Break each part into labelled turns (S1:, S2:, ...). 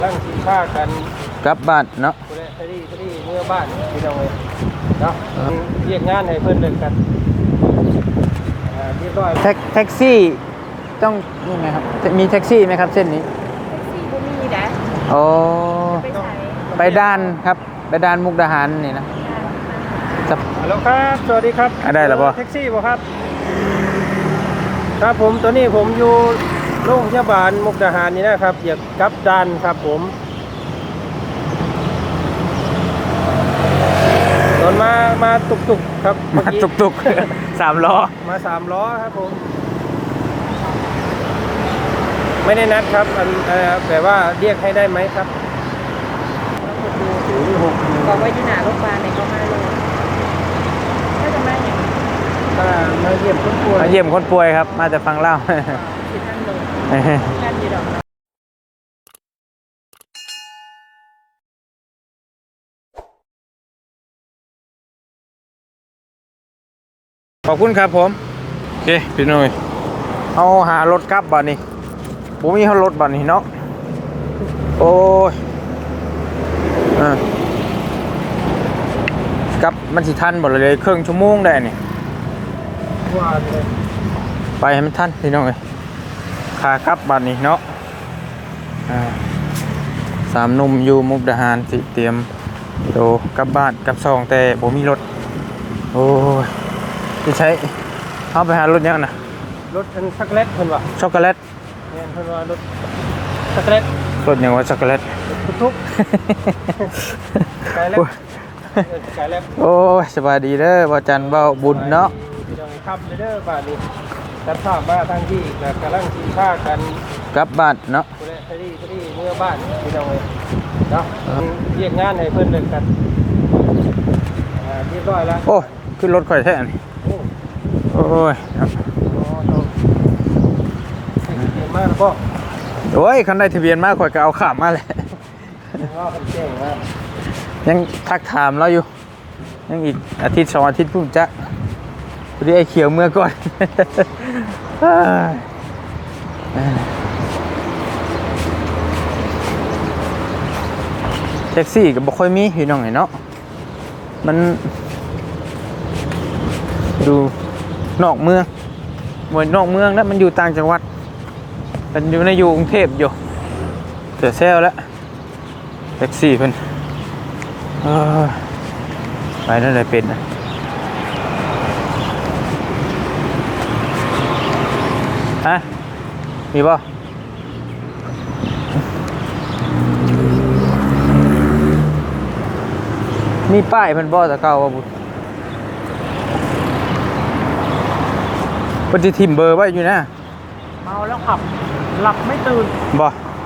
S1: ตั้งกินข้ากัน
S2: กลับบ้านเนาะ
S1: พอดีเมื่อบ้านพี่น้องเลยเนาะเรียกงานให้เพื่อนเลิกกันเรียบร้อย
S2: แท็กซี่ต้องนี่ไหมครับมีแท็กซี่ไหมครับเส้นนี้
S3: แท็กซี่บ่มีนะ
S2: โอ้
S3: ไปใช้
S2: ไปด้านครับไปด้านมุกดาหารนี่นะ
S1: ฮัลโหลครับสวัสดีครับ
S2: ได้แล้วป่ะ
S1: แท็กซี่ป่ะครับครับผมตอนนี้ผมอยู่โรงพยาบาลมุกดาหารนี่นะครับอยากกลับด้านครับผมตอนมาตุกครับ
S2: มาตุก3 ล้อ
S1: มา3 ล้อครับผมไม่ได้นัดครับแต่ว่าเรียกให้ได้ไหมครับ
S3: บอกว่าอยู่หน้าโรงพยาบาลในก็มาเลยถ้าจะมาอย่าง
S1: มาเยี่ยมคนป่วย
S2: มาเยี่ยมคนป่วยครับมาแต่ฟังเล่า
S3: ที่ท่านลงท่านอยู่ดอก
S2: ขอบคุณครับผมโอเคพี่หนุ่ยเอาหารถกลับบ้านนี้ผมมีรถบ้านนี้เนาะโอ้ยกลับมันสิทันบ่เลยครึ่งชั่วโมงได้นี่
S1: ว่าเลย
S2: ไปให้มันทันพี่น้องเลยขากลับบ้านนี้เนาะ3 หนุ่มอยู่มุกดาหารสิเตรียมโตกลับบ้านกลับซองแต่ผมมีรถโอ้ยจะใช้เอาไปหารถยังนะ
S1: รถเป็นช็อกโกแลตเพิ่นว่า
S2: ช็อกโกแลต
S1: เนี่ยเพิ่นว่ารถช็อกโกแลต
S2: รถยังว่าช็อกโกแลต
S1: ทุกไก่แล้ว
S2: โอ้ยสบายดีเด้อบ่จันเบาบุญเนาะ
S1: พี่น้องครับเด้อบ้านนี้ตัดภาพมาทางที่กำลังกินข้ากัน
S2: กลับบ้านเนาะ
S1: พอดีเมื่อบ้านพี่น้องเลยเนาะเรียกงานให้เพื่อนเลิกกันเรียบร้อยแล้ว
S2: โอ้ขึ้นรถข่อยแท้นี่โอ้ย
S1: มากพ่อ
S2: โอ้ยคันได้ทะเบียนมาข่อยก็เอาข้ามมาเลยยังทักถามเราอยู่ยังอีกอาทิตย์2 อาทิตย์พุ่งจะพอดีไอ้เขียวเมื่อก่อนแท็กซี่ก็บ่ค่อยมีพี่น้องเนาะมันดูนอกเมืองเหมือนนอกเมืองแล้วมันอยู่ต่างจังหวัดมันอยู่ในกรุงเทพอยู่เสียเซลแล้วแท็กซี่เพิ่นไปนั่นเลยเป็นนะฮะมีป่ะมีป้ายเพิ่นบ่ตะเก่าว่าบุญเพิ่นสิทิ่มเบอร์ไว้อยู่นะ
S1: เมาแล้วขับหลับไม่ตื่น
S2: บ่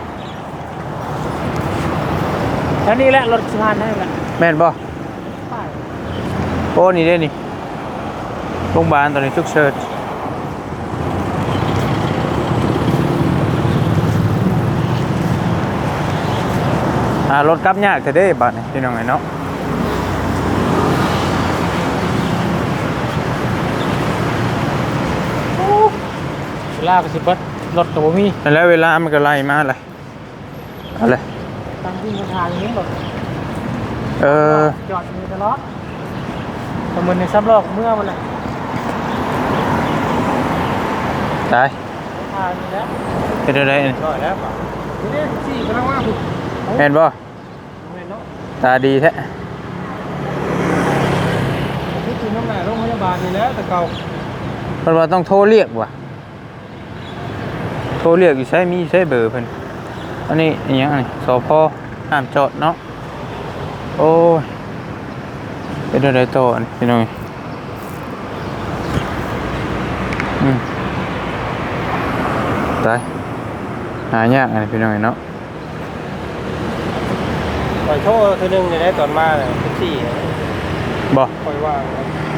S1: แค่นี้แหละรถสะพานนั่นแหละ
S2: แม่นบ่โอ้นี่เด้นี่โรงพยาบาลตอนนี้ฉุกเฉินรถกลับยากแต่เด้บัดนี่พี่น้องไงเนาะ
S1: เวลาก็สิเบิดรถก็บ่มี
S2: แล้วเวลามันก็ไล่มาเลยอะไร
S1: ตั้งที่ทางนี้แบบจอดอยู่ตลอดประเมินในซับลอกเมื่อวันไหน
S2: ตาย
S1: ทางนี้แล้ว
S2: เป็นอะไรนี่
S1: จอดแล้วนี่สี่กำลังว่าบุ
S2: เห็นบ่ตาดีแท้
S1: นี่คือน้ำหนักโรงพยาบาลนี่แล้วแต่เก่า
S2: เพิ่นว่าต้องโทรเรียกว่ะโทรเรียกอยู่ใช้มีใช้เบอร์เพิ่นอันนี้อย่างนี้สพห้ามจอดเนาะโอ้ยเป็นอะไรต่อพี่น้องตายหายากพี่น้องเนาะ
S1: ปล่อยโทษทีนึงได้ตอนมาเลยแท็กซี่
S2: บ่
S1: ปล่อยว่าง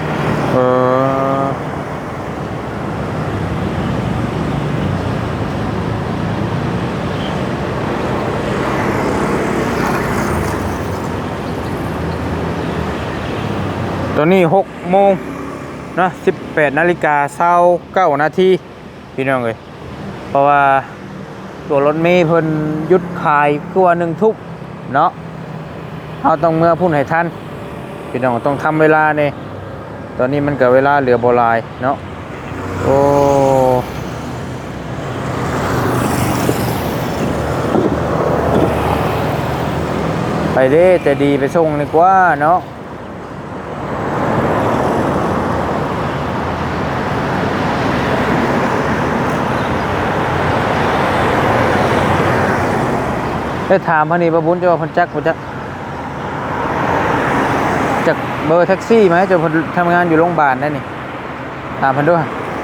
S2: ตอนนี้6 โมงนะ18:29 พี่น้องเลยเพราะว่าตัวรถเมล์เพิ่นหยุดขายคือว่า1 ทุ่มเนาะเฮาต้องเมื่อพุ่นให้ทันพี่น้องต้องทำเวลานี่ตอนนี้มันก็เวลาเหลือบ่หลายเนาะโอ้ไปเด้แต่ดีไปส่งดีกว่าเนาะได้ถามพอนี่ประบุญจะว่าเพันจักบ่จักจากเบอร์แท็กซี่ไหมจะเพิ่นทำงานอยู่โรงพยาบาลนั่นนี่ถามเพิ่นด้วย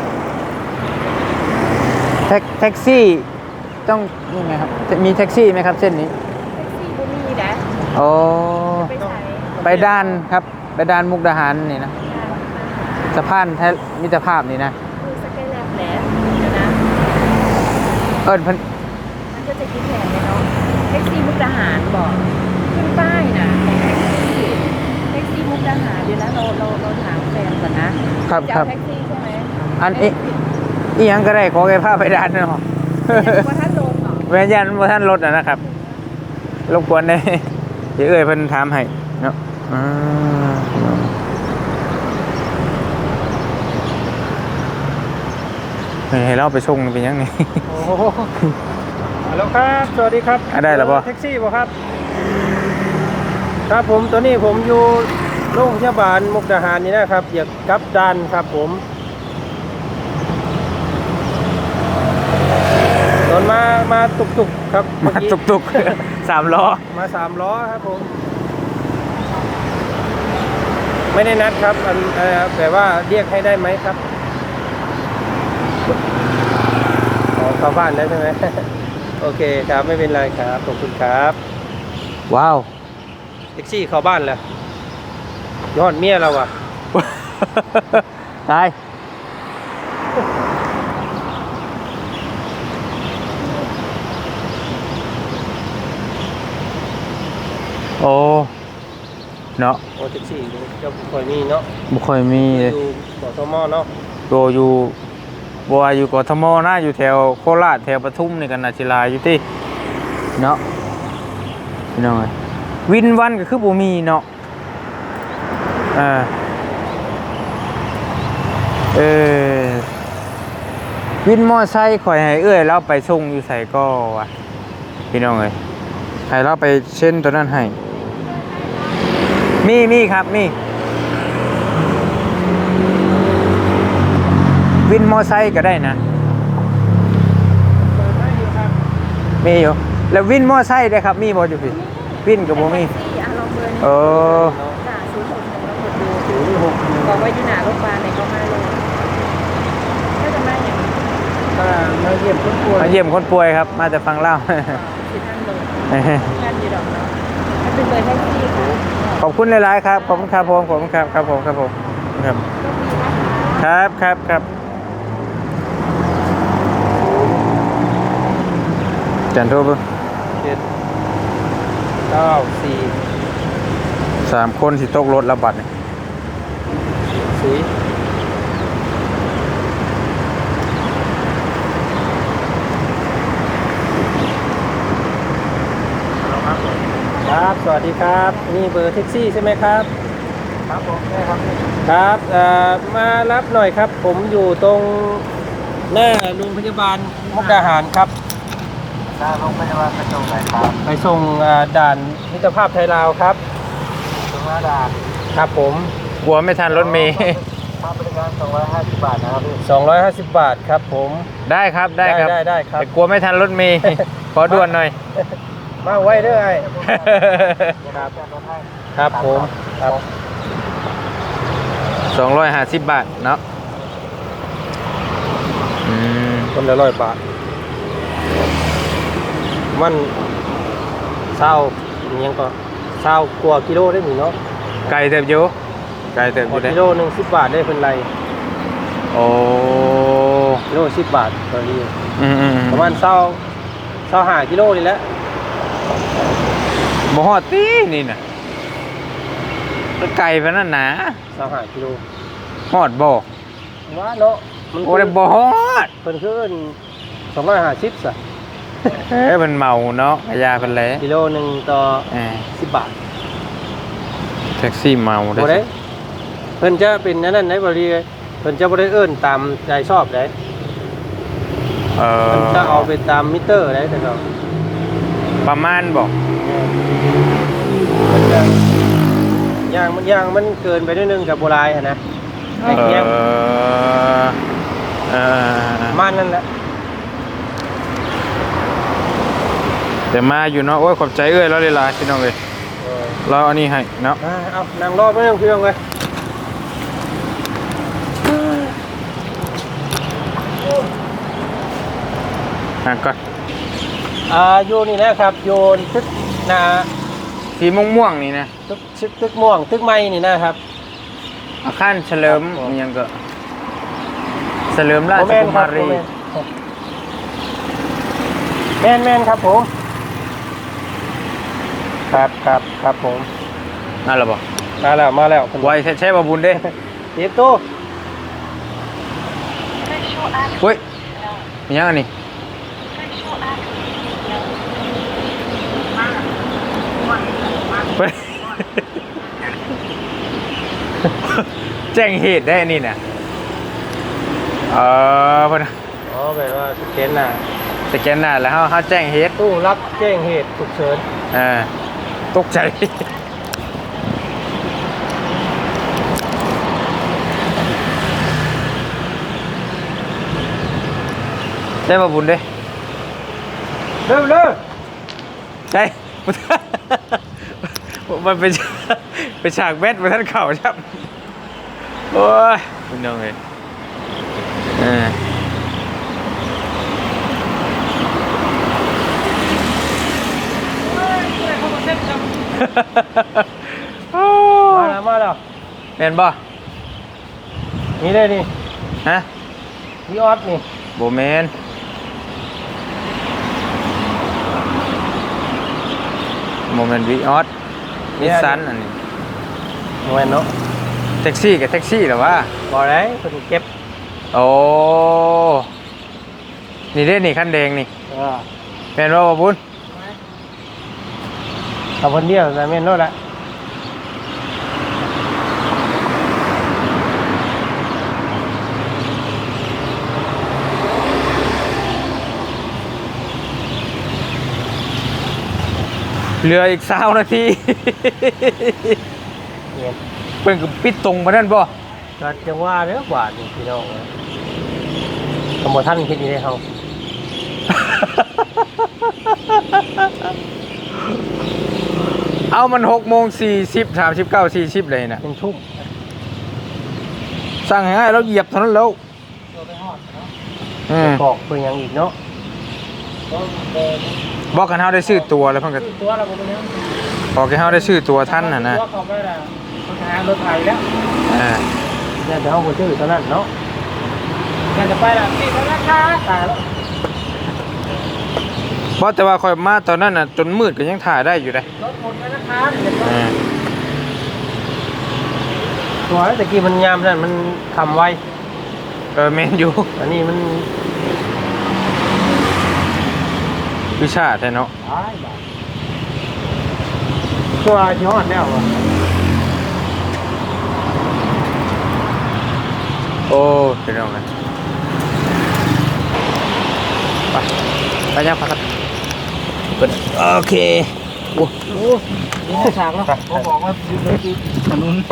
S2: แท็กซี่ต้องนี่ไงครับมีแท็กซี่ไหมครับเส้นนี้
S3: แท็กซี่บ่มีนะ
S2: โอ้
S3: ไปใช้
S2: ไปด้านครับไปด้านมุกดาหารนี่นะสะพานมิตรภาพนี่นะ
S3: คือสเกลแลบแหละเดี๋ยวนะ
S2: เอิ้นเพิ่น
S3: มันก็จะคิดแผนเลยเนาะแท็กซี่มุกดาหารบอกขึ้นป้ายนะแท็กซี่มุกดาหารเดี๋ยวนะเราถามแฟนก่อนนะครับ จะ
S2: ครั
S3: เอา
S2: บ
S3: แท็กซี่ใช่ไหม
S2: อันนี้อีหยังก็ได้ขอแค่พาไปด้านเนาะ
S3: ว่าถ้าโดนเหรอ
S2: แม่นยันบ่ทันรถนะครับรบกวนได้เดี๋ยวเอ้ยเพิ่นถามให้เนาะให้เราไปส่งเป็นยังไง
S1: โอ้โหฮัลโหลครับสวัสดีครับ
S2: ได้แล้วบ่
S1: แท็กซี่บ่ครับครับผมตัวนี้ผมอยู่โรงพยาบาลมุกดาหารนี่นะครับอยากกลับด้านครับผมตอนมาตุกๆครับเอ
S2: มา
S1: กี้
S2: ตุกๆ3 ล้อ
S1: มา3 ล้อครับผมไม่ได้นัดครับแต่ว่าเรียกให้ได้ไหมครับอ๋อเข้าบ้านแล้วใช่ไหม โอเคครับไม่เป็นไรครับขอบคุณครับ
S2: ว้าว
S1: แท็กซี่เข้าบ้านแล้วยอดเมียเราอ่ะ
S2: ตายโอ้เนาะ
S1: โอ้แท็กซี่เจ้าคอยมีเนาะ
S2: บ่ค่อยมีเลย
S1: อยู่กทมเนาะ
S2: ตัวอยู่บัวอยู่กทมนะอยู่แถวโคราชแถวปทุมนี่กันนาศิลาอยู่ที่เนาะพี่น้องเอ้ยวินวันก็คือบ่มีเนาะเออวินมอไซค์ข่อยให้เอื้อยเราไปส่งอยู่ไสก็วะพี่น้องเอ้ยให้เราไปเช่นตัวนั้นให้มีครับมีวินมอไซค์ก็ได้นะ
S1: เปิดได้อยู่ครับ
S2: มีอยู่แล้ววินมอไซค์ได้ครับมีบ่อยู่พี่วินกับบ่มี
S3: แท็กซี่ลองเบอร์
S2: เออ
S3: จ่า061แล้วกดดูบอกว่าอยู่หน้าโรงพยาบาลในก็มาเลยก็จะมาอย่าง
S1: ถ้ามาเยี่ยมคนป่วย
S2: มาเยี่ยมคนป่วยครับมาแต่ฟังเล่า
S3: ที่ท่านลงงานอยู่ดอกเนาะมันเป็นเบอร์แท็กซี่ค่ะ
S2: ขอบคุณหลายๆครับขอบคุณครับผมขอบคุณครับครับผมครับผมครับ
S3: ก็มีนะคะ
S2: ครับจันโทรเบิ่ง
S1: 794
S2: 3 คนสิตกรถระบาดนี่
S1: สีครับสวัสดีครับนี่เบอร์แท็กซี่ใช่ไหมครับครับผมใช่ครับครับมารับหน่อยครับผมอยู่ตรงหน้าโรงพยาบาลมุกดาหารครับหน้าโรงพยาบาลไปส่งไหนครับไปส่งด่านมิตรภาพไทยลาวครับตรงหน้าด่านครับผม
S2: กลัวไม่ทันรถเมล์
S1: ค่าบริการ250 บาทนะครับ250 บาทครับผม
S2: ได้ครับได้ครับ
S1: ได้ครับ
S2: แต่กลัวไม่ทันรถเมล์ ขอด่วนหน่อย
S1: มาไว้เด้อไอ้ครับครับผมครับ
S2: 250 บาทเนาะ
S1: คนละ100 บาทมันเศร้ายังก็เศร้ากว่ากิโลได้หนิเนาะ
S2: ไกลเติบอยู่ไกลเติบอยู่ได้
S1: กิโลหนึ่ง10 บาทได้เป็นไร
S2: โอ้
S1: กิโล10 บาทตอนนี้
S2: อืม
S1: ประมาณ25กิโลนี่แหละ
S2: บ่ฮอดตีนี่น่ะมันไกลปานนั้นนะ
S1: 25กิโล
S2: ฮอดบ่
S1: ว่าเนาะมัน
S2: โอ้ได้บ่ฮอด
S1: เพิ่นขึ้น250ซะ
S2: มันเมาเนาะยาเพิ่นแหละ
S1: กิโลหนึงต่อ
S2: เออ
S1: 10 บาท
S2: แท็กซี่เมา
S1: บ่ได้เพิ่นจะเป็นอันนั้นได้บ่ดีเลยเพิ่นจะบ่ได้เอิ้นตามใจชอบได้
S2: เอ
S1: เพิ่นจะเอาไปตามมิเตอร์ได้แต่ก็
S2: ประมาณบอก
S1: เพิ่นจะย่างมันเกินไปนิดนึงกับโบราณหั่นนะไอ้เงี้ย
S2: เออ
S1: มันนั่นแหละ
S2: แต่มาอยู่เนาะโอ้ยขอบใจเอ้ยแล้วเลยล่ะพี่น้องเอ้ยเราอันนี้ให้เนาะ
S1: เอานั่งรอไม่ต้องพี่น้องเลย
S2: ก่อน
S1: อยู่นี่นะครับโยนตึกนา
S2: สีม่วงๆนี่นะ
S1: ตึกม่วงตึกไม้นี่นะครับ
S2: อาคารเฉลิมมีหยังก็เฉลิมราชกุมารี
S1: แม่นครับผมครับผม
S2: นั่นแหละบ่
S1: มาแล้ว
S2: ไวใช้บ่บุญเด้
S1: เดี๋ยวตู้
S2: เฮ้ยมีหยังอันนี้ แจ้งเหตุได้อันนี่นะพอนะ
S1: อ๋อแปลว่าสแกนหน้า
S2: สแกนหน้าแล้วเขาแจ้งเหตุ
S1: ตู้รับแจ้งเหตุฉุกเฉิน
S2: ตกใจได้มาบุญเด้
S1: เร็ว
S2: ได้ มันเป็นฉากแมทมาท่านเข่าครับโอ้ยคุณน้องเลย
S1: มาแล้ว
S2: เห็นบ่
S1: นี่เลยนี่
S2: ฮะ
S1: พี่ออสนี่
S2: โบแมนโมเมนต์วีออสนิสสันอันนี้
S1: โมเมนเนาะ
S2: แท็กซี่กับแท็กซี่หรอวะ
S1: บอกได้คนเก็บ
S2: โอ้นี่เด้นี่ขั้นแดงนี่เป็นว่าบ่บุญ
S1: เอาคนเดียวแต่แม่นโน่นละ
S2: เหลืออีก20 นาทีเพิ่นก็ปิดตรงมานั่นบ่
S1: ก็จังว่าเด้อกว่านี่พี่น้องสมบูรณ์ท่านคิดดีได้เขา
S2: เอามัน6:40 39 40เลยนะ
S1: เป็นทุ่ม
S2: สั่งให้เราเหยียบเท่านั้นแล้ว
S1: บอกเพื่อยังอีกเนาะ
S2: บอกกันเฮาได้ซื้อตัวแล้วเพิ่นก็
S1: ตัวเราเป็นยัง
S2: บอกให้เฮาได้ซื้อตัวท่านน่ะนะ
S1: ตัวเขาไม่ได้ปัญหารถไถแล้วเนี่ยจะเอาไปซื้อเท่านั้นเนาะเนี่ยจะไปละนี่ธนาคารตายแล้ว
S2: บ่แต่ว่าข่อยมาตอนนั้นน่ะจนมืดก็ยังถ่ายได้อยู่เด้
S1: รถหมดธนาคารตัวตะกี้มันยามนั่นมันทำไว
S2: แม่นอยู่
S1: อันนี้มัน
S2: วิชาแท้เนาะ
S1: ตัวที่ฮอดแล้วอ่ะ
S2: โอ้เป็นเอาไงไปยังพักกันโอเคโอ้โห
S1: นี่ฉากแล้วผมบอกว่าอยู่ในถนน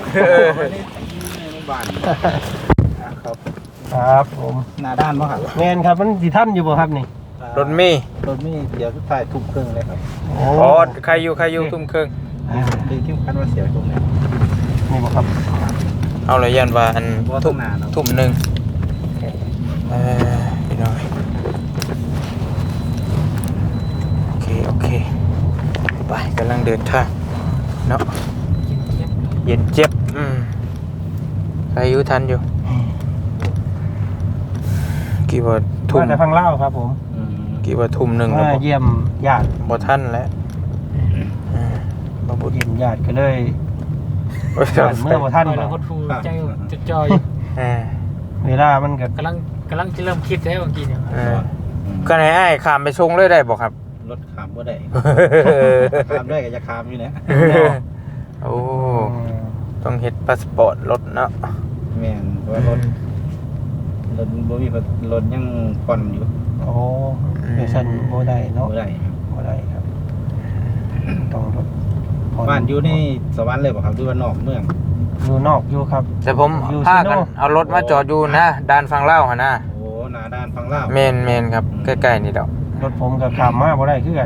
S1: ครับผมหน้าด้านมั้งครับแมนครับมันสีท่านอยู่บ่ครับนี่
S2: รถเมย์
S4: รถมีเดี๋ยวถ่ายทุ่มครึ่งเลยครับ
S1: โอ้
S2: อ๋อใครอยู่ทุ่มครึ่ง
S4: ดีที่คันว่าเสียตรงนี้
S1: นี่บ่ครับ
S2: เอาเลยยันว่าอัน
S4: ว่า
S2: ทุ่
S4: ทุ่
S2: ม
S4: มนาเนาะ
S2: ทุ่มหนึ่งพี่น้อยโอเคไปกำลังเดินทางเนาะเย็นเจ็บใครอยู่ทันอยู่กี่ว่าทุ่ม
S1: ว่าแต่พังเล่าครับผม
S2: กี่ว่าทุ่มหนึ่ง
S1: มาเยี่ยมญาติ
S2: บ่ทันแล้วบ่บุญ
S1: เยี่ยมญาติก็เลยญาติเมื่อบ่ท่าน
S5: เรา
S1: บ่
S5: ก็ทูใจจะจอย
S1: เวลามันก็
S5: กำลังจะเริ่มคิดแล้วบางทีเนี่ย
S2: ก็ให้อ้ายข้ามไปชงเลยได้บ่ครับ
S4: รถขามบ่ได้ขามได้ก็จะขามอยู่นะ
S2: โอ้ต้องเฮ็ดพาสปอร์ตรถเนาะ
S4: แม่นว่ารถบ่มีรถยังผ่อนอยู่
S1: โอ้เดี๋ยวฉันโบได้เนาะ
S4: บ่ได้ครับ
S1: โบได้ครับต้องรถผ่
S4: บ้านอยู่ในสวรรค์เลยบ่ครับหรือว่านอกเมือง
S1: อยู่นอกอยู่ครับ
S2: แต่ผม
S1: อยู่
S2: พา
S1: ซิโน่
S2: กันเอารถมาจอดอยู่นะด้านฝั่งลาวหั่นนะ
S4: โอ้หน้าด้านฝั่งลาว
S2: แม่นครับใกล้ๆนี่ดอก
S1: รถผมกับขามมาบ่ได้คือกัน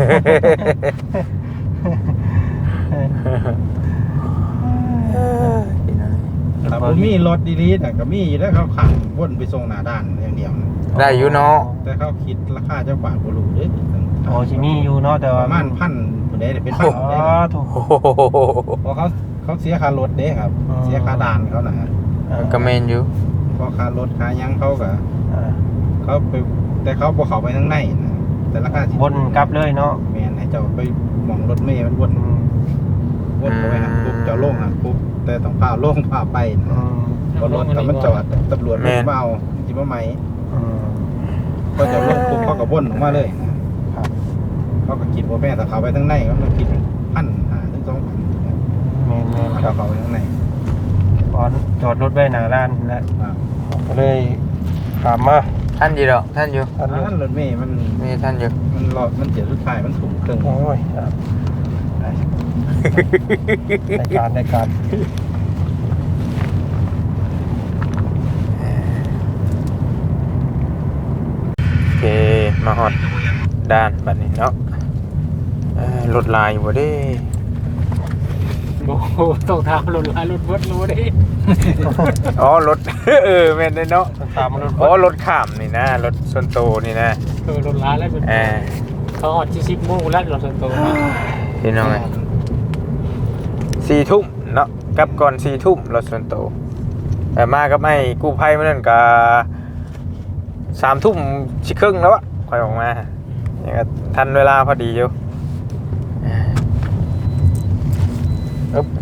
S4: ถ้าบ่มีรถดีๆน่ะก็มีอยู่แล้วเขาขับวนไปส่งหน้าด้านอย่างเดียวนะ
S2: ได้อยู่เนาะ
S4: แต่เขาคิดราคาจักบาทบ่รู้เด้
S1: โอ้สิมีอยู่เนาะแต่
S4: ป
S1: ว่า
S4: ระมาณพันผู้ใดเป็นพัน
S1: อ๋อ
S4: ได้
S1: ถูก
S2: โอ้โห
S4: เพราะเขาเสียค่ารถเด้ครับ
S1: อ๋อ
S4: เสียค่าด่านเขานะ
S2: ก็แม่นอยู่
S4: เพราะค่ารถค่าหยังเขาก็
S1: อ่า
S4: เขาไปแต่เขาบ่เข้าไปทางในนะแต่ราคาสิ
S1: วนกลับเลยเนาะ
S4: แม่นให้เจ้าไปหมองรถเมล์มันวนเข้าไปหันปุ๊บเจ้าลงหันปุ๊บแต่ต้องพาลงพาไปนะ
S1: อืม
S4: เพราะรถถ้ามันจอดตำรวจมันมาเอาสิมาไหม
S1: อืม
S4: ก็จะลงปุ๊บเขาก็วนออกมาเลยนะครับ เขาก็คิดว่าแม่ถ้าเขาไปทางในเขาต้องคิด1,500 ถึง 2,000
S1: แม่นๆค
S4: ถ้า
S1: รับ
S4: เขาไปทางใน
S1: ตอนจอดรถไว้หน้าร้านแล้ว
S4: ครับ
S1: ก็เลยขามมา
S2: ท่านอยู่ดอกท่านอยู่
S1: อันนี้
S4: รถเมล์มัน
S2: มีท่านอยู่
S4: มันเสียสุดท้ายมันถุงครึ่ง
S1: โอ้ยครับได้การ
S2: โอเคมาฮอดด้านบัดนี้เนาะรถลายอยู่บ่เด้
S5: โอ้โหต้องทำรถลายรถวัดรู้ดิ
S2: อ๋อรถ แม่นได้เนาะ
S1: ตามรถ
S2: อ๋อรถข้ามนี่นะรถส่วนโตวนี่นะ
S5: รถลายแล้วเป็นเขาออดที่10 โมงแล้วรถส่วนตัว
S2: พี่น้องไง4 ทุ่มเนาะกลับก่อน4 ทุ่มรถส่วนโตวแต่มากับไอ้กู้ภัยมื้อนั้นก็3 ทุ่มสิครึ่งแล้วอะค่อยออกมาเนี่ยก็ทันเวลาพอดีอยู่อึ๊บ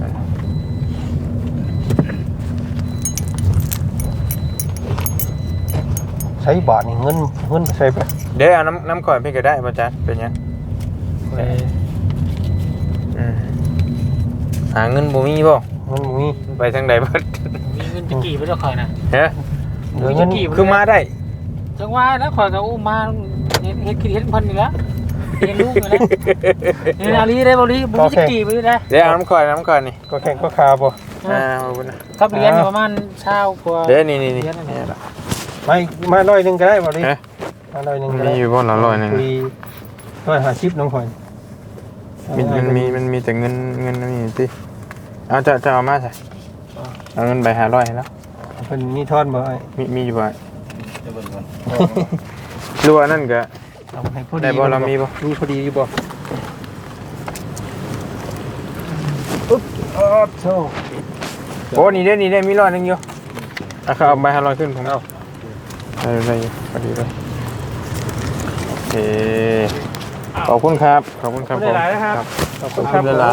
S1: ใช้บาทนี่เงินใช้ไป
S2: เดี๋ยวเอาน้ำก่อนพี่ก็ได้ป่ะจ๊ะเป็นยังหาเงินบ่มีบ่
S1: เงินมี
S2: ไปทางใดเบิด
S5: มีเงินจะกี่ไปแล้วคอยนะ
S2: เฮ้ย
S1: เหลือเงิน
S2: คือมาได้
S5: จังว่าแล้วคอยกับอุ้มมาเฮ็ดคิดเฮ็ดพันนี่แล้วเลี้ยงลูกอยู่แล้วนี่นาลีได้บ่ลีบุญจะกี่ไปได้
S2: เดี๋ยวเอาน้ำก่อนนี่
S1: ก็แข่งก็คาบ่
S2: ขอบคุณนะ
S5: ครับเรียนประมาณเช้ากว่า
S2: เดี๋ยวนี่
S1: ไม่มาร้อยหนึงก็ได้บ่ดิ
S2: เอ๊ะ
S1: มาร้อยหนึงก็
S2: มี
S1: ได้
S2: อยู่บ่ละร้อยนึง
S1: คุย150น้องข่อย
S2: มันมีแต่เงินนี่สิเอาจะเอามาใส่เอาเงินใบ500ให้แล้ว
S1: เพิ่นมีทอนบ่ไอ้
S2: มีอยู่บ่
S4: จะเบิ่งก่อน
S2: รัวนั่นก็
S1: เอาให้พอดี
S2: ได้บ่เรามีบ่
S1: มีพอดีอยู่บ่อุ๊บอ๋อโธ่
S2: โอ้นี่ได้มีร้อยนึงอยู่เอาเอาใบ500ขึ้นผมเอาได้พอดีเลยโอเคขอบคุณครับขอบคุณครับ
S1: ได้หลายนะครับ
S2: ขอบคุณครับหลาย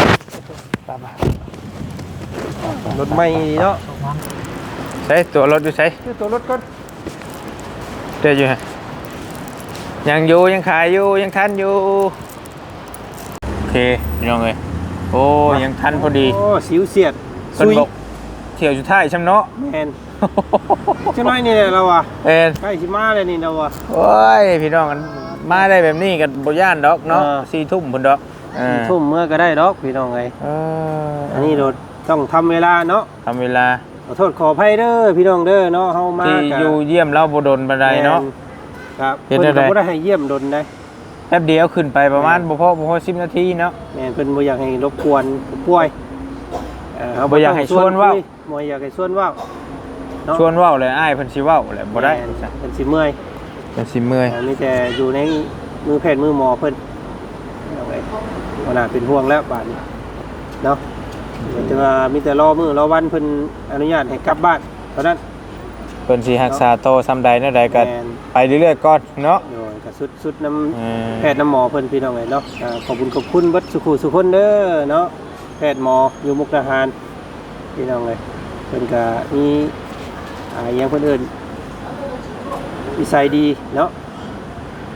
S1: รถใหม่เนาะ
S2: ใช้ตัวรถอยู่ใช้
S1: ซื้อตัวรถก่อน
S2: เดี๋ยวอยู่ฮะยังอยู่ยังขายอยู่ยังทันอยู่โอเคพี่น้องเลยโอ้ยังทันพอดี
S1: โอ้สิวเสียด
S2: เพิ่นบอกเที่ยวอยู่ท้ายช้ำเนาะ
S1: แม่นจังน้อยนี่แหละเราอ่ะ
S2: เอ็น
S1: ใกล้สิมาแล้วนี่เราอ่ะ
S2: โอ้ยพี่น้องกันมาได้แบบนี้กันบ่ย่านดอกเนาะ 4 ทุ่มพุ่นดอกเออ
S1: ทุ่มเมื่อก็ได้ดอกพี่น้องไง อันนี้รถต้องทำเวลาเนาะ
S2: ทำเวลา
S1: ขอโทษขออภัยเด้อพี่น้องเด้อเนาะเฮามา
S2: ที่
S1: กะ
S2: อยู่เยี่ยมเราบ่ดนบันไดเนาะ
S1: ครับ
S2: เฮ็
S1: เพิ่
S2: ด
S1: น
S2: ได้
S1: ก็บ่ได้ให้เยี่ยมดนได้
S2: แป๊บเดียวขึ้นไปประมาณบ่พอ10 นาทีเนาะ
S1: แม่นเพิ่นบ่อยากให้รบกวนผู้ป่วยเฮ
S2: บ่อยากให้ชวนเว้า
S1: บ่อยากให้ชวนเว้าเนาะ
S2: ชวนเว้าเลยอ้ายเพิ่นสิเว้าแหละบ่ได้
S1: แม่นเพิ่นสิเมื่อย
S2: เพิ่นสิเมื่อย
S1: มีแต่อยู่ในมือแพทย์มือหมอเพิ่นเอาไว้บ่น่าเป็นห่วงแล้วบาดนี้เนาะแต่ว่ามีแต่รอมื้อรอวันเพิ่นอนุญาตให้กลับบ้านเท่านั้น
S2: เพิ่นสิรักษาโตซ้ำใดแนวใดก็
S1: แม่น
S2: ไปเรื่อยๆก่อนเนาะ
S1: โดยก็สุดน้ำ
S2: เออ
S1: แพทย์น้ำหมอเพิ่นพี่น้องเอ้ยเนาะขอบคุณเบัดสุขุสุคนเด้อเนาะแพทย์หมออยู่มุกดาหารพี่น้องเอ้ยเพิ่นก็มีอย่างเพิ่นเอิ้นวิสัยดีเนาะ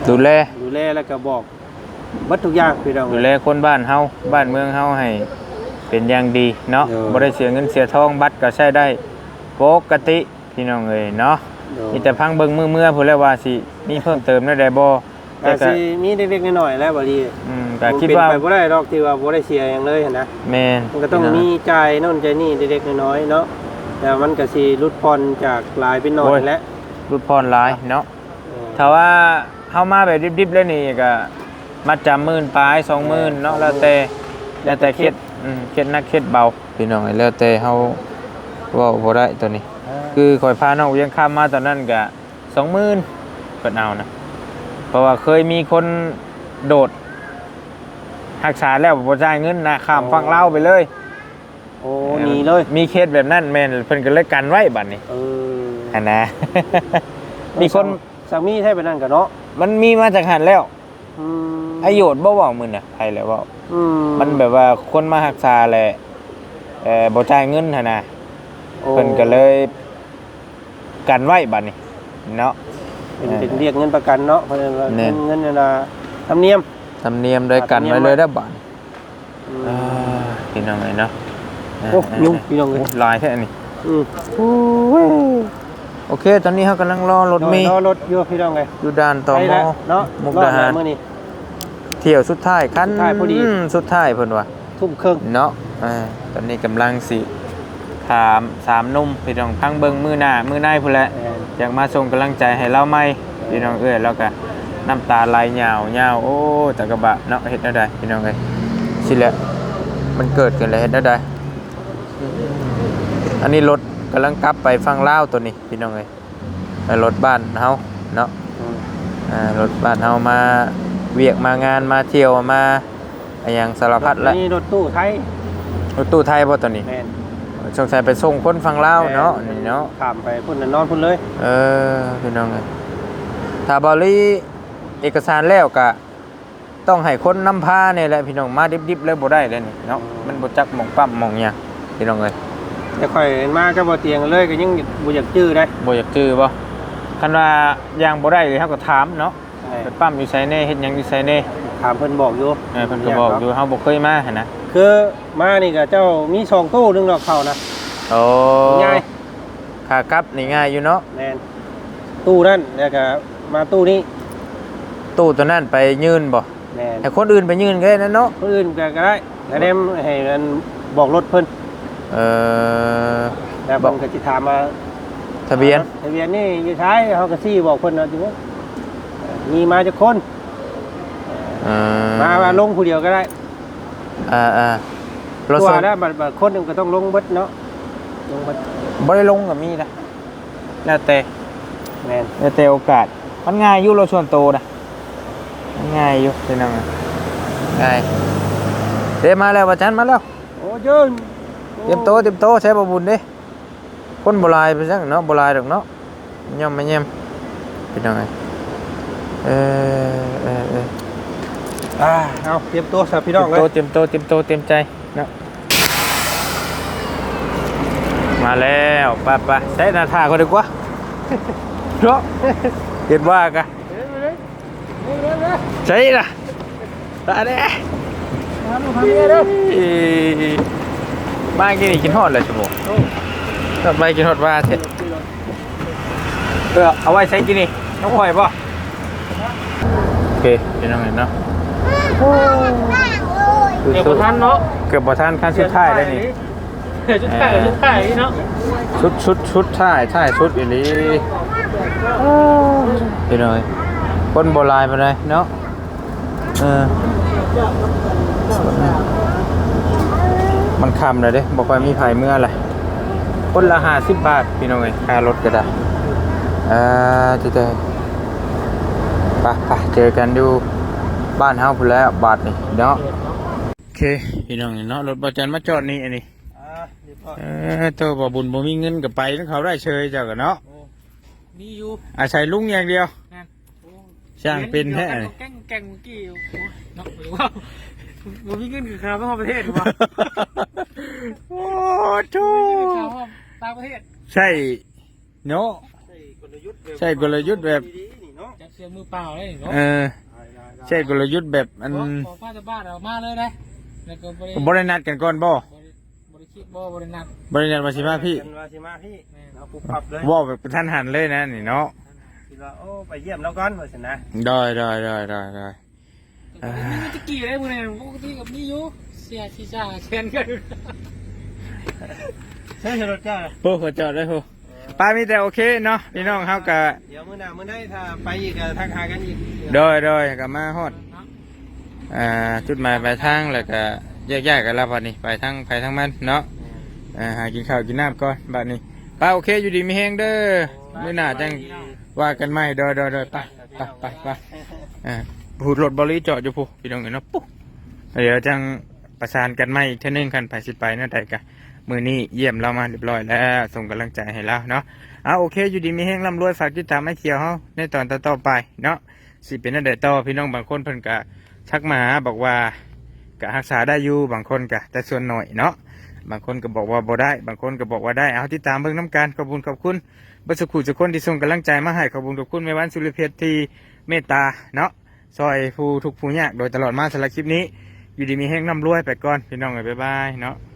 S2: ดูแล
S1: ดูแลแล้วก็บอกวัดทุกอย่างพี่น้อง
S2: ดูแลคนบ้านเฮาบ้านเมืองเฮาให้เป็นอย่างดีเนาะ
S1: เออ
S2: บ่ได้เสียเงินเสียทองบัตรก็ใช้ได้ปกติพี่น้องเอ้ยเนาะ
S1: เออ
S2: มีแต่พังเบิ่งมือๆพุ่นแล้วว่าสิมีเพิ่มเติมได้บ่แต่
S1: แต่
S2: ก็
S1: สิมีเล็กๆน้อยๆแล้วบ่ดี
S2: ก็คิดว่า
S1: เป็นไปบ่ได้ดอกที่ว่าบ่ได้เสียหยังเลยหันนะ
S2: แม่น
S1: มันก็ต้องมีจ่ายโน่นจ่ายนี่เล็กๆน้อยๆเนาะแต่มันก็สิลดผ่อนจากหลายเป็นน้อยแล้ว
S2: รุดพรหลายเนาะ
S1: เออ
S2: ถ้าว่าเฮามาแบบดิบๆแล้วนี่ก็มัดจำ10,000ปลาย 20,000เนาะแล้วแต่เคล็ดเคล็ดหนักเคล็ดเบาพี่น้องเอ้ยแล้วแต่เฮาเว้าบ่ได้ตัวนี้ คือข่อยพาน้องเวียงข้ามมาตอนนั้นก็20,000เพิ่นเอานะเพราะว่าเคยมีคนโดดรักษาแล้วบ่จ่ายเงินนะข้ามฝั่งลาวไปเลย
S1: โอ้หนีเลย
S2: มีเคสแบบนั้นแม่นเพิ่นก็เลยกันไว้บัดนี้
S1: เออ
S2: หั่นนะ มีคน
S1: สามีแท้ไปนั่นก็เนาะ
S2: มันมีมาจากหันแล้ว
S1: อืม
S2: ไอโยดบ่เว้ามื้อน่ะใครแล้วเว้า
S1: อื
S2: มันแบบว่าคนมารักษาแหละบ่จ่ายเงินหั่นน่ะ
S1: โอ้
S2: เพิ่นก็เลยกันไว้บัดนี้เนาะ
S1: เป็นเรียกเงินประกันเนาะเพราะฉะนั้นว่า
S2: แน่
S1: เงินน่ะธรรมเนียม
S2: ธรรมเนียมโดยกันไว้เลยเด้อบัด
S1: อืม
S2: พี่น้องเอ้ยเนาะ
S1: โอ้ยุ่งพี่น้องเอ้ย
S2: ลายแท้อันนี้
S1: อืม
S2: โอเค ตอนนี้เขากำลังรอรถเมล์
S1: รอรถอยู่พี่น้องเอ้ย
S2: อยู่ด่านต่อ
S1: ไป
S2: ม
S1: แล้วเนาะ
S2: มุกดาหาร
S1: รอบแล้วมื้อนี้
S2: เที่ยวสุดท้ายคัน
S1: สุดท้ายพอดี
S2: สุดท้ายเพิ่นว่า
S1: ทุ่มครึ่ง
S2: เนาะตอนนี้กำลังสิถาม3หนุ่มพี่น้องพังเบิ่งมื้อหน้ามื้อในพุ่นแหละ อยากมาส่งกำลังใจให้เราไหมพี่น้องเอ้ยแล้วก็น้ำตาไหลยาวโอ้ตะกะบะเนาะเฮ็ดได้ได้พี่น้องเอ้ยสิแหละมันเกิดขึ้นแล้วเฮ็ดได้ได้อันนี้รถกำลังกลับไปฝั่งลาวตัวนี้พี่น้องเอ้ยไปรถบ้านเฮาเนาะรถบ้านเฮามาเวียกมางานมาเที่ยวมาอะไรอย่างสารพัดแล้ว
S1: นี่รถตู้ไทย
S2: รถตู้ไทยบ่ตัวนี้
S1: แม่น
S2: สงสัยไปส่งคนฝั่งลาวเนาะนี่เนาะ
S1: ข้ามไปพุ่นน่ะนอนพุ่นเลย
S2: พี่น้องเอ้ยถ้าบริเอกสารแล้วก็ต้องให้คนนำพาเนี่ยแหละพี่น้องมาดิบๆแล้วบ่ได้เลยนี่เนาะมันบ่จักหม่องปั๊มหม่องหยังพี่น้องเอ้ย
S1: แต่ข่อยมาก็บ่เตียงเลยก็ยังบ่อยากจื้อได้
S2: บ่อยากจื้อบ่คันว่าอย่างบ่ได้เลยเฮาก็ถามเนาะ
S1: ใช่
S2: ไปปั๊มอยู่ไสแน่เฮ็ดหยังอยู่ไสแน่
S1: ถามเพิ่นบอกอยู่
S2: เพิ่นก็บอกอยู่เฮาบ่เคยมาหั่นนะ
S1: คือมานี่ก็เจ้ามี2ตู้นึงดอกเข้านะ
S2: โอ้
S1: ง่าย
S2: ขากลับนี่ง่ายอยู่เนาะ
S1: แม่นตู้นั่นแล้วก็มาตู้นี้
S2: ตู้ตัวนั้นไปยืนบ่
S1: แม่น
S2: ให้คนอื่นไปยืนก็ได้นั่นเนาะ
S1: คนอื่นก็ได้แล้วเนี่ยให้มันบอกรถเพิ่น
S2: เออ
S1: แล้วเพิ่นก็สิถามมา
S2: ทะเบียน
S1: ทะเบียนนี่อยู่ท้ายเฮาก็ซี่บอกเพิ่นว่าจังว่ามีมาจากคน มาลงผู้เดียวก็ได้
S2: รถ
S1: ตัว
S2: ส่ง
S1: แล้วบัดคนหนึงก็ต้องลงเบิดเนาะลงเบิด
S2: บ่ได้ลงกับมีนะแล้วแต่
S1: แม่น
S2: แล้วแต่โอกาสมันง่ายอยู่รถส่วนโตวนะมันง่ายอยู่พี่น้องง่ายเด้มาแล้วว่าจันมาแล้ว
S1: โอ้เจ้ย
S2: เตรียมโตใช้บ่บุญเด้คนบ่หลายไปจังเนาะบ่หลายดอกเนาะย่อมมาแย่มพี่น้อง
S1: เอาเตรียมตัวสับพี่น้องเลย
S2: เตรียมโตเตรียมใจเนาะมาแล้วไปใช้หน้าท่าก็ดีกว่าเนาะเห็นว่ากะใช่ล่ะตาเด้บ้านกินนี่กินฮอดเลยชั่วโมงต่อไปกินฮอดว่าเสร็จเอาไว้ใช้กินนี่น้องหอยป่ะโอเคพี่น้องเห็นเนาะ
S5: เดี๋ยวบ่ทันเนาะ
S2: เกือบบ่ทันขั้นสุดท้ายได้นี่
S5: ชุดไข่เนาะ
S2: ชุดท้ายชุดอีหลีพี่น้อยคนโบราณไปเลยเนาะมันคำเลยเด้บอกว่ามีไผเมื่อไรคนละ50 บาทพี่น้องเอ้ยค่ารถก็ได้ที่เตไปเจอกันดูบ้านเฮาพุ่นแล้วบาทนี่เนาะโอเคพี่น้องเนาะรถประจันมาจอดนี่อันนี้ตัวบ่บุญบ่มีเงินกับไปแล้วเขาได้เชยเจ้ากันเนาะ
S5: มีอยู่
S2: อาศัยลุงอย่างเดียว
S5: นั่น
S2: ช่างเป็นแท้
S5: แกงเมื่อกี้เนาะหรือว่าบ่มีเงินคือคราวทั่วประเทศหรือว่า
S2: โอ้ทู
S5: ต่างประเทศ
S2: ใช่เนาะใช่กลยุทธ์แบบ
S5: จับเสียมือเปล่าเลยเนาะ
S2: ใช่กลยุทธ์แบบอัน
S5: ขอป้าจะบ้านเรามาเลยนะแล้วก็
S2: บ
S5: บริ
S2: รินัดกันก่อนบ่
S5: บริคิดบ่บรินัด
S2: บรินัดมาสิมาพี่
S1: เป็นว่าสิมาพี่เอาปุ๊บปับเลย
S2: ว่าแบบท่านหันเลยนะนี่เนาะ
S1: คิดว่าโอ้ไปเยี่ยมแล้วก่อนว่าสินะ
S2: ได้ได้
S5: นี่ตะกี้อะไรพวกนี้ปกติกับนี่อยู่เสียชีซ่าเชนกัน
S1: ใช่รถเจ้า
S2: โอ้ขอจอดได้โหป้ามีแต่โอเคเนาะพี่น้องเขากะ
S1: เดี๋ยวมื้อหน้ามื้อใดถ้าไปอีกก็ทักหากันอีก
S2: โดยกับมาฮอดจุดหมายปลายทางแล้วก็แยกกันแล้วบัดนี้ไปทางมันเนาะหากินข้าวกินน้ำก่อนบัดนี้ป้าโอเคอยู่ดีมีแฮงเด้อมื้อหน้าจังว่ากันใหม่โดยไปพูดรถบริจอดอยู่พูพี่น้องเนาะปุ๊บเดี๋ยวจังประสานกันใหม่อีกเท่านึงคันไปสิไปนั่นใดกันมื้อนี้เยี่ยมเรามาเรียบร้อยแล้วส่งกำลังใจให้เราเนาะโอเคอยู่ดีมีแฮงร่ำรวยฝากติดตามให้เขียวเฮาในตอนต่อไปเนาะสิเป็นนั่นใดต่อพี่น้องบางคนเพิ่นก็ชักมาหาบอกว่ากะรักษาได้อยู่บางคนกะแต่ส่วนหน่อยเนาะบางคนก็บอกว่าบ่ได้บางคนก็บอกว่าได้เอาติดตามเบิ่งน้ำกันขอบคุณบัสกุทุกคนที่ส่งกำลังใจมาให้ขอบคุณแม่วันสุริเพชรที่เมตตาเนาะซอยผู้ทุกผู้ยากโดยตลอดมาสำหรับคลิปนี้อยู่ดีมีแห้งร่ำรวยไปก่อนพี่น้องบ๊ายบายเนาะ